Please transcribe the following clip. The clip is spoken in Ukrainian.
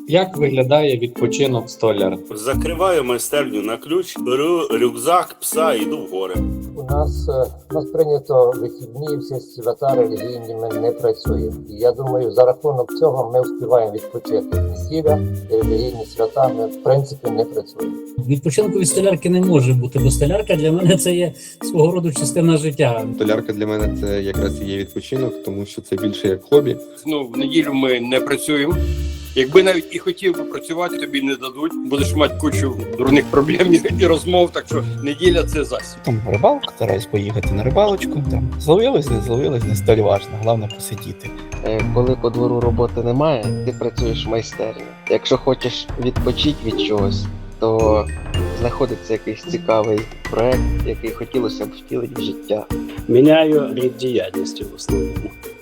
Як виглядає відпочинок столяра? Закриваю майстерню на ключ, беру рюкзак, пса і йду в гори. У нас прийнято вихідні, всі свята релігійні, ми не працюємо. І я думаю, за рахунок цього ми встигаємо відпочити. Весілля і релігійні свята ми в принципі не працюємо. Відпочинку від столярки не може бути, бо столярка для мене це є свого роду частина життя. Столярка для мене це якраз і є відпочинок, тому що це більше як хобі. В неділю ми не працюємо. Якби навіть і хотів би працювати, тобі не дадуть. Будеш мати кучу дурних проблем і розмов, так що неділя – це засіб. Там рибалка, стараюсь поїхати на рибалочку. Там зловилось, не столь важно, головне посидіти. Коли по двору роботи немає, ти працюєш в майстерні. Якщо хочеш відпочити від чогось, то знаходиться якийсь цікавий проект, який хотілося б втілити в життя. Міняю рід діяльності в основному.